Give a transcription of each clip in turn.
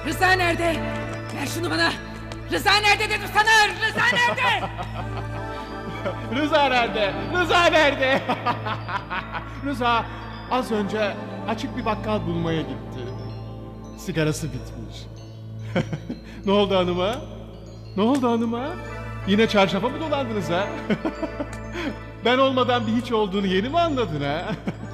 Rıza nerede? Ver şunu bana. Rıza nerede dedim sana. Rıza nerede? Rıza nerede? Rıza nerede? Rıza az önce açık bir bakkal bulmaya gitti. Sigarası bitmiş. Ne oldu hanıma? Ne oldu hanıma? Yine çarşafa mı dolandınız ha? Ben olmadan bir hiç olduğunu yeni mi anladın ha?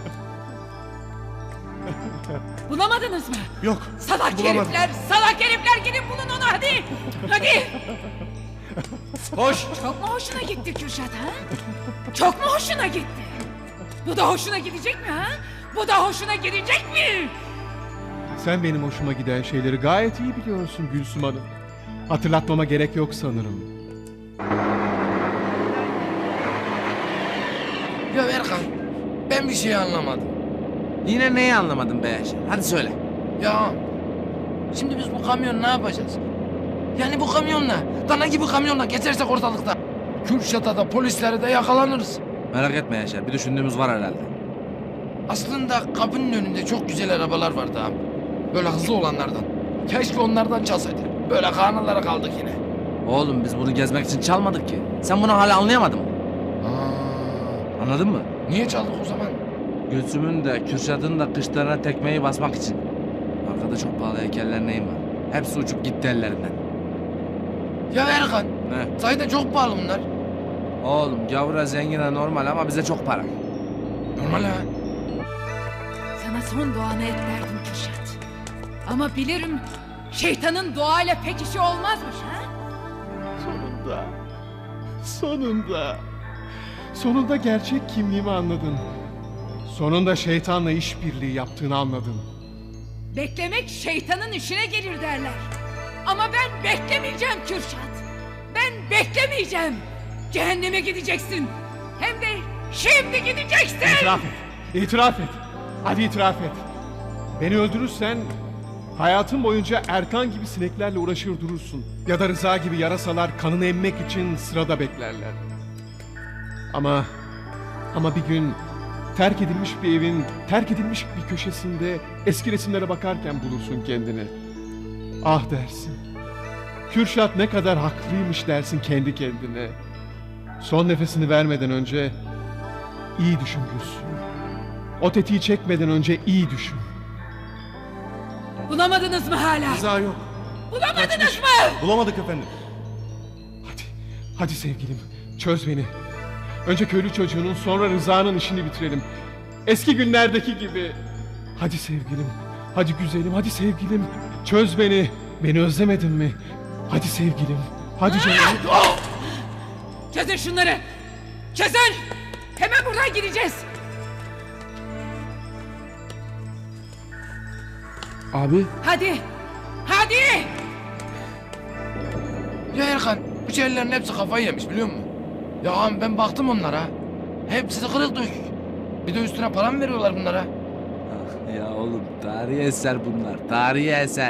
Bulamadınız mı? Yok. Salak bulamadım. herifler, salak herifler gidin bulun onu hadi. Hadi. Koş. Çok mu hoşuna gitti Kürşat ha? Çok mu hoşuna gitti? Bu da hoşuna gidecek mi ha? Bu da hoşuna gidecek mi? Sen benim hoşuma giden şeyleri gayet iyi biliyorsun Gülsüm Hanım. Hatırlatmama gerek yok sanırım. Ya Erkan, ben bir şey anlamadım. Yine neyi anlamadın be Yaşar? Hadi söyle. Ya, şimdi biz bu kamyon ne yapacağız? Yani bu kamyonla, dana gibi kamyonla geçersek ortalıkta, Kürşat'a da polislere de yakalanırız. Merak etme Yaşar. Bir düşündüğümüz var herhalde. Aslında kapının önünde çok güzel arabalar vardı abi. Böyle hızlı olanlardan. Keşke onlardan çalsaydık. Böyle karnılara kaldık yine. Oğlum biz bunu gezmek için çalmadık ki. Sen bunu hala anlayamadın mı? Anladın mı? Niye çaldık o zaman? Gülsüm'ün de Kürşat'ın da kışlarına tekmeyi basmak için. Arkada çok pahalı heykeller neyim var? Hepsi uçup gitti ellerinden. Ya Erkan, Ne? sahiden çok pahalı bunlar. Oğlum gavura zengine normal ama bize çok para. Normal ha. Sana son duanı et derdim Kürşat. Ama bilirim şeytanın doğayla pek işi olmazmış ha? Sonunda. Sonunda. Sonunda gerçek kimliğimi anladın. Sonunda şeytanla işbirliği yaptığını anladın. Beklemek şeytanın işine gelir derler. Ama ben beklemeyeceğim Kürşat. Ben beklemeyeceğim. Cehenneme gideceksin. Hem de şimdi gideceksin. İtiraf et. İtiraf et. Hadi itiraf et. Beni öldürürsen hayatın boyunca Erkan gibi sineklerle uğraşır durursun. Ya da Rıza gibi yarasalar kanını emmek için sırada beklerler. Ama bir gün terk edilmiş bir evin terk edilmiş bir köşesinde eski resimlere bakarken bulursun kendini. Ah dersin. Kürşat ne kadar haklıymış dersin kendi kendine. Son nefesini vermeden önce iyi düşün Gülsüm. O tetiği çekmeden önce iyi düşün. Bulamadınız mı hala? Rıza yok. Bulamadınız mı? Bulamadık efendim. Hadi sevgilim çöz beni. Önce köylü çocuğunun sonra Rıza'nın işini bitirelim. Eski günlerdeki gibi. Hadi sevgilim, hadi güzelim, hadi sevgilim. Çöz beni. Beni özlemedin mi? Hadi sevgilim, hadi canım. Çözün şunları. Çözün. Hemen buradan gideceğiz. Abi. Hadi. Hadi. Ya Erkan, bu şeylerin hepsi kafayı yemiş biliyor musun? Ya ağam ben baktım onlara. Hepsi kırık dökük. Bir de üstüne para mı veriyorlar bunlara? Ya oğlum tarihi eser bunlar. Tarihi eser.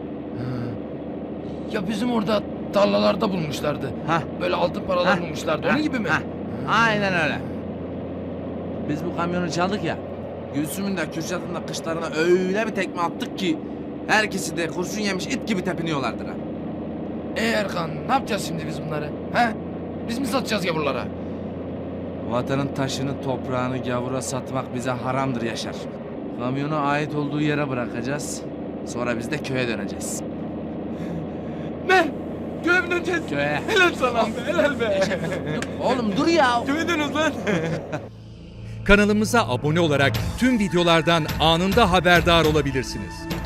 Ya bizim orada tarlalarda bulmuşlardı. Hah. Böyle altın paralar bulmuşlardı. Onun gibi mi? Hah. Aynen öyle. Biz bu kamyonu çaldık ya. Gülsüm'ün de Kürşat'ın da kışlarına öyle bir tekme attık ki herkesi de kurşun yemiş it gibi tepiniyorlardır ha. Erkan, ne yapacağız şimdi biz bunları? He? Biz mi satacağız gavurlara? Vatanın taşını, toprağını gavura satmak bize haramdır Yaşar. Kamyonu ait olduğu yere bırakacağız. Sonra biz de köye döneceğiz. Ne? Köye mi döneceğiz? Köye. Helal sana be, helal be. Oğlum dur ya. Köye dönüyoruz lan. Kanalımıza abone olarak tüm videolardan anında haberdar olabilirsiniz.